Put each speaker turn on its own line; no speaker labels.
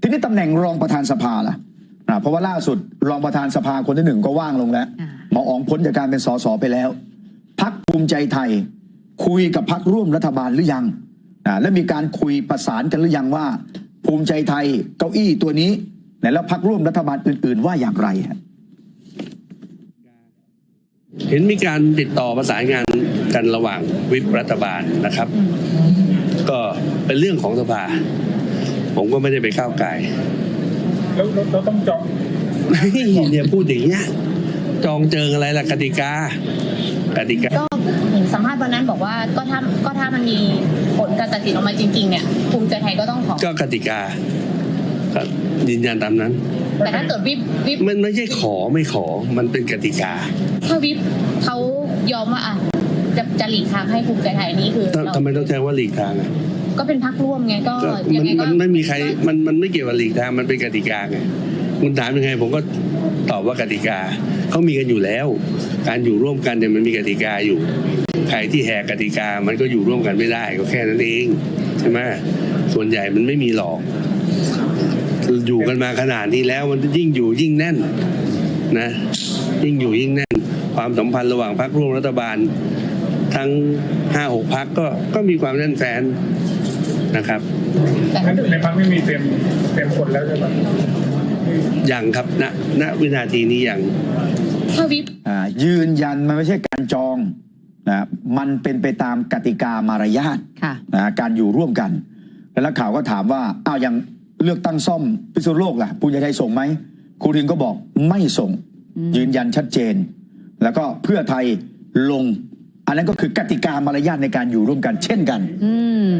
นี้ตำแหน่งรองประธานสภาล่ะเพราะว่าล่าสุดรองประธานสภาคนที่ 1ก็ว่างลงแล้วหมออ๋องพ้นจากการเป็นสสไปแล้วพรรคภูมิใจไทยคุยกับพรรคร่วมรัฐบาลหรือยังและมีการคุยประสานกันหรือยังว่าภูมิใจไทยเก้าอี้ตัวนี้แล้วพรรคร่วมรัฐบาลอื่นๆว่าอย่างไร
เห็นมีการติดต่อประสานงานกันระหว่างวิปรัฐบาลนะครับ ก็เป็นเรื่องของสภาผมก็ไม่ได้ไปก้าวไก่
แล้วเราต้องจอง
เนี่ยพูดอย่างเงี้ยจองเจิงอะไรล่ะกติกาก็
เห็นสัมภาษณ์วันนั้นบอกว่าก็ถ้ามันมีผลการตัดสินออกมาจริงๆเนี่ยภูมิใจไทยก็ต้องขอ
ก็กติกาก็ยืนยันตามนั้น
แต่ถ้าเกิดวิป
มันไม่ใช่ขอไม่ขอมันเป็นกติกา
ถ้าวิปเขายอมว่าจะหลีกทางให้ภูมิใจไทยนี่คือ
ทำไมต้องแจ้งว่าหลีกทาง
ก็เป็นพรรคร่วมไงก็ยังไงก็
มันไม่มีใครมันไม่เกี่ยวกับหลีกทางมันเป็นกติกาไงคุณถามยังไงผมก็ตอบว่ากติกาเขามีกันอยู่แล้วการอยู่ร่วมกันเนี่ยมันมีกติกาอยู่ใครที่แหกกติกามันก็อยู่ร่วมกันไม่ได้ก็แค่นั้นเองใช่ไหมส่วนใหญ่มันไม่มีหรอกอยู่กันมาขนาดนี้แล้วมันยิ่งอยู่ยิ่งแน่นนะยิ่งอยู่ยิ่งแน่นความสัมพันธ์ระหว่างพรรคร่วมรัฐบาลทั้ง 5-6 พรรคก็มีความแน่นแฟ้นนะครับ
ในพรรคไม่มีเต็มคนแล้วใช่ไหม
ยังครับณวินาทีนี้ยัง
ยืนยันมันไม่ใช่การจองนะมันเป็นไปตามกติกามารยาทนะการอยู่ร่วมกันแล้วนักข่าวก็ถามว่าอย่างเลือกตั้งซ่อมพิษณุโลกล่ะภูมิใจไทยส่งไหมครูรินก็บอกไม่ส่งยืนยันชัดเจนแล้วก็เพื่อไทยลงอันนั้นก็คือกติกามารยาทในการอยู่ร่วมกันเช่นกัน